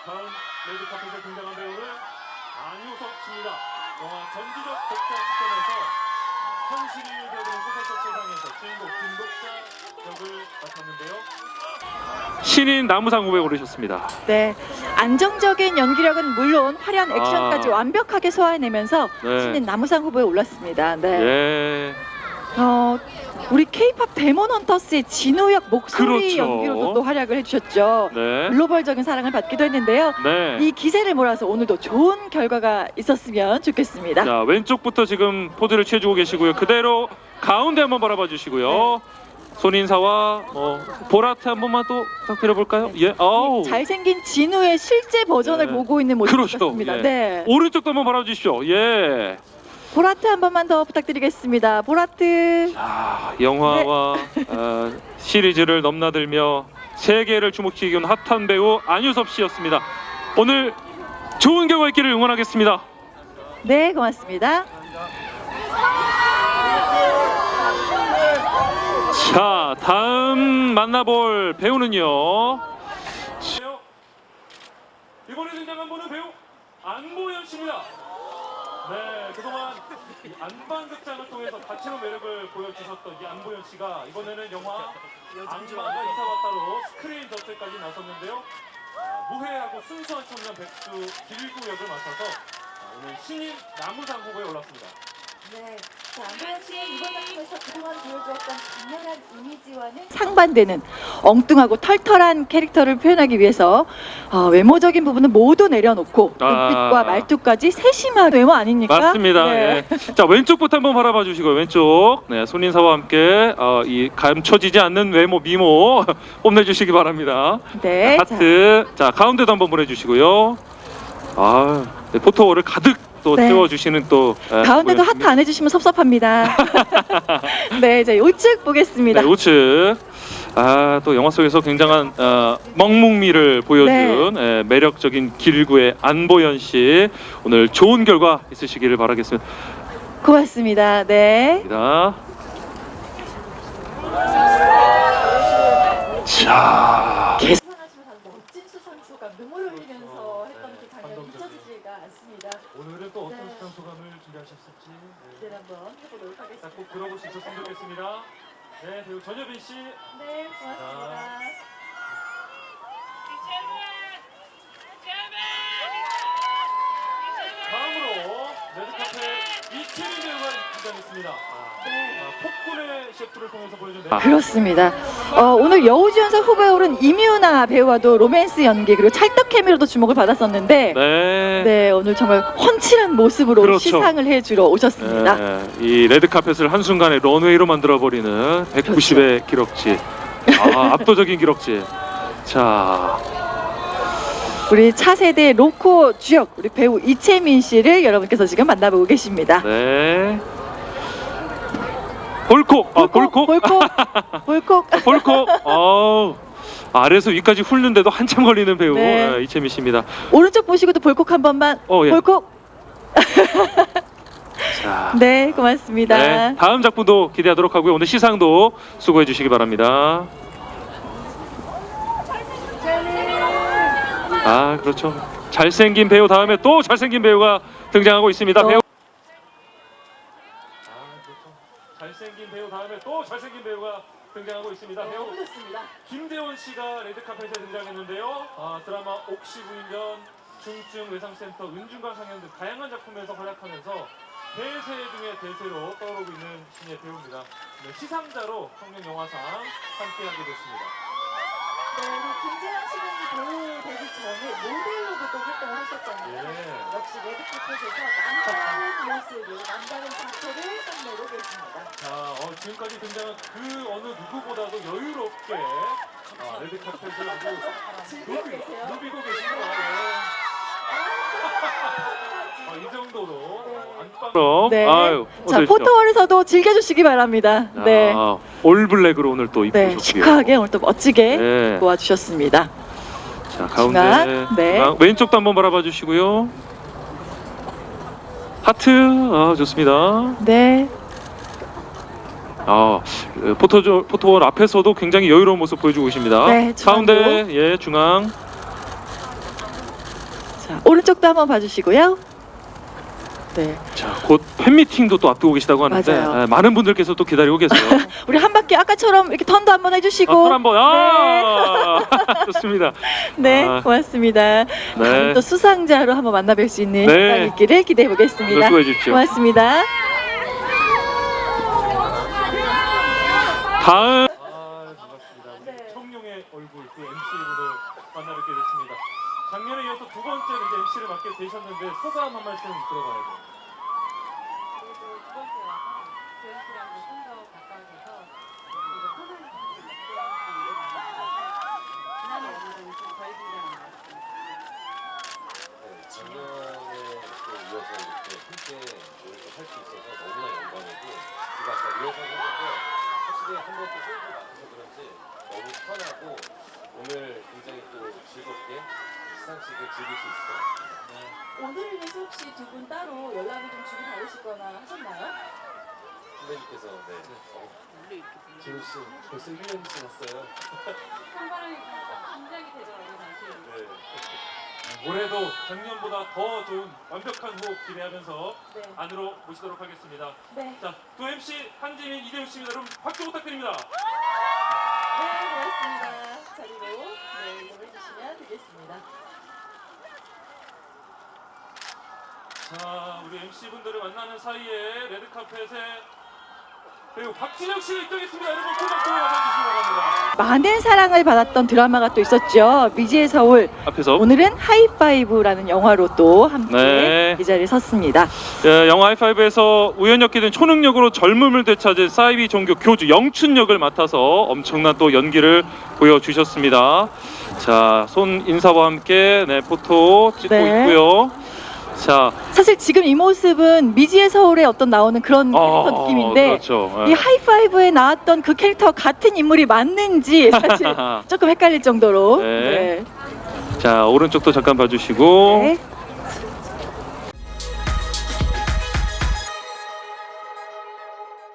다음 레드카펫에 등장한 배우는 안효석 씨입니다. 영화 전지적 독자 시점에서 현실이 되는 소설적 세상에서 주인공 김독자 역을 맡았는데요. 신인 나무상 후보에 오르셨습니다. 네, 안정적인 연기력은 물론 화려한 액션까지 완벽하게 소화해내면서 네. 신인 나무상 후보에 올랐습니다. 네. 예. 우리 K-팝 데몬 헌터스의 진우역 목소리 그렇죠. 연기로도 또 활약을 해주셨죠. 네. 글로벌적인 사랑을 받기도 했는데요. 네. 이 기세를 몰아서 오늘도 좋은 결과가 있었으면 좋겠습니다. 자, 왼쪽부터 지금 포즈를 취해주고 계시고요. 그대로 가운데 한번 바라봐 주시고요. 손인사와 보라트 한 번만 또 부탁드려볼까요? 예. 아우. 잘생긴 진우의 실제 버전을 네. 보고 있는 모습 그렇죠. 같습니다. 예. 네. 오른쪽도 한번 바라봐 주십시오. 예. 보라트 한 번만 더 부탁드리겠습니다. 보라트. 자, 영화와 시리즈를 넘나들며 세계를 주목시키는 핫한 배우 안유섭 씨였습니다. 오늘 좋은 결과 있기를 응원하겠습니다. 네, 고맙습니다. 자, 다음 만나볼 배우는요. 이번에 등장한 분은 배우 안보현 씨입니다. 네, 그동안 이 안방극장을 통해서 다채로운 매력을 보여주셨던 이 안보현 씨가 이번에는 영화 악마가 이사 왔다로 스크린 저택까지 나섰는데요. 무해하고 순수한 청년 백수 길구 역을 맡아서 오늘 신인 나무상 후보에 올랐습니다. 네, 안보현 씨는 이번 작품에서 그동안 보여주었던 강렬한 이미지와는 상반되는 엉뚱하고 털털한 캐릭터를 표현하기 위해서 외모적인 부분은 모두 내려놓고 눈빛과 말투까지 세심한 외모 아닙니까? 맞습니다. 네. 예. 자, 왼쪽부터 한번 바라봐 주시고요. 왼쪽. 네, 손인사와 함께 이 감춰지지 않는 외모 미모 뽐내주시기 바랍니다. 네, 하트. 자, 가운데도 한번 보내주시고요. 네, 포토월을 가득 또 네. 채워주시는 또 가운데도 하트 안 해주시면 섭섭합니다. 네, 이제 우측 보겠습니다. 네, 우측. 또 영화 속에서 굉장한 먹묵미를 보여준 매력적인 길구의 안보현 씨, 오늘 좋은 결과 있으시기를 바라겠습니다. 고맙습니다. 네. 자, 계속하시면서 멋진 수선수가 눈물을 흘리면서 했던 그 장면이 잊혀지지가 않습니다. 오늘은 또 어떤 네. 시간 소감을 준비하셨을지 기대를 한번 해보도록 하겠습니다. 꼭 들어볼 수 있었으면 좋겠습니다. 네, 배우 전여빈 씨. 네, 고맙습니다. 다음으로 레드카펫 이채민 배우가 등장했습니다. 폭군의 셰프를 통해서 보여준 그렇습니다. 오늘 여우주연상 후보에 오른 임유나 배우와도 로맨스 연기 그리고 찰떡 케미로도 주목을 받았었는데 네, 오늘 정말 훤칠한 모습으로 그렇죠. 시상을 해주러 오셨습니다. 이 레드카펫을 한순간에 런웨이로 만들어버리는 190의 기록지. 압도적인 기록지. 자, 우리 차세대 로코 주역 우리 배우 이채민 씨를 여러분께서 지금 만나보고 계십니다. 네. 볼콕. 볼콕. 볼콕. 아래에서 위까지 훑는데도 한참 걸리는 배우 네. 이채민 씨입니다. 오른쪽 보시고도 볼콕 한 번만. 예. 볼콕. 자, 네, 고맙습니다. 네, 다음 작품도 기대하도록 하고요. 오늘 시상도 수고해 주시기 바랍니다. 그렇죠. 잘생긴 배우 다음에 또 잘생긴 배우가 등장하고 있습니다. 배우. 그렇죠. 잘생긴 배우 다음에 또 잘생긴 배우가 등장하고 있습니다. 배우 김대원 씨가 레드카펫에 등장했는데요. 드라마 옥시 부인전, 중증 외상센터, 은중과 상영 등 다양한 작품에서 활약하면서 대세 중의 대세로 떠오르고 있는 신예 배우입니다. 네, 시상자로 청룡영화상 함께하게 됐습니다. 네, 김재현 씨는 배우 되기 전에 모델로도 또 활동을 하셨잖아요. 역시 레드카펫에서 남다른 모습을, 남다른 자체를 뽐내고 계십니다. 자, 지금까지 등장한 그 어느 누구보다도 여유롭게 레드카펫을 아주 즐기고 계세요. 누비고 계시고 이 정도로 안방. 네. 자, 포토월에서도 즐겨주시기 바랍니다. 네. 올블랙으로 오늘 또 네, 입으셨고요. 시크하게 오늘 또 멋지게 네. 도와주셨습니다. 자, 가운데 중앙, 네. 중앙, 왼쪽도 한번 바라봐 주시고요. 하트. 좋습니다. 네. 포토월 앞에서도 굉장히 여유로운 모습 보여주고 계십니다. 네, 중앙도. 가운데 중앙. 자, 오른쪽도 한번 봐주시고요. 네, 자, 곧 팬미팅도 또 앞두고 계시다고 하는데 맞아요. 네, 많은 분들께서 또 기다리고 계세요. 우리 한 바퀴 아까처럼 이렇게 턴도 한번 해주시고. 턴 한번 좋습니다. 네, 아, 고맙습니다. 다음 또 수상자로 한번 만나뵐 수 있는 네. 시간이 있기를 기대해 보겠습니다. 수고해 주십시오. 고맙습니다. 다음 반갑습니다. 우리 청룡의 얼굴 그 MC분을 만나뵙게 됐습니다. 작년에 이어서 두 번째로 이제 MC를 맡게 되셨는데 소감 한 말씀 들어봐야 돼요. 그래도 두 번째 와서 조연씨랑도 좀 더 가까워져서 그리고 편하게 지난해 오늘은 좀 덜 긴장한 것 같습니다. 작년에 또 이어서 이렇게 함께 이렇게 할 수 있어서 너무나 영광이고 우리가 아까 리허설 했는데 확실히 한 번 또 호흡을 맞춰서 그런지 너무 편하고 오늘 굉장히 또 즐겁게 시상식을 즐길 수 있을 것 같습니다. 오늘을 위해서 혹시 두 분 따로 연락을 좀 주고 받으시거나 하셨나요? 선배님께서 원래 이렇게 불러. 재우 씨 벌써 1년이 지났어요. 한 발음이 긴장이 되더라고요, 당시에. 네. 올해도 작년보다 더 좋은 완벽한 호흡 기대하면서 네. 안으로 모시도록 하겠습니다. 네. 자, 두 MC 한지민, 이대훈 씨입니다. 여러분 박수 부탁드립니다. 네, 고맙습니다. 자리로 네, 이동해 주시면 되겠습니다. 자, 우리 MC 분들을 만나는 사이에 레드카펫에 배우 박진영 씨가 입장했습니다. 여러분 큰 박수 맞아주시기 바랍니다. 많은 사랑을 받았던 드라마가 또 있었죠. 미지의 서울. 앞에서 오늘은 하이파이브라는 영화로 또 함께 네. 이 자리에 섰습니다. 영화 하이파이브에서 우연히 된 초능력으로 젊음을 되찾은 사이비 종교 교주 영춘 역을 맡아서 엄청난 또 연기를 보여주셨습니다. 자, 손 인사와 함께 네, 포토 찍고 네. 있고요. 자, 사실 지금 이 모습은 미지의 서울에 어떤 나오는 그런 캐릭터 느낌인데 그렇죠. 이 하이파이브에 나왔던 그 캐릭터 같은 인물이 맞는지 사실 조금 헷갈릴 정도로. 네. 자, 오른쪽도 잠깐 봐주시고 네.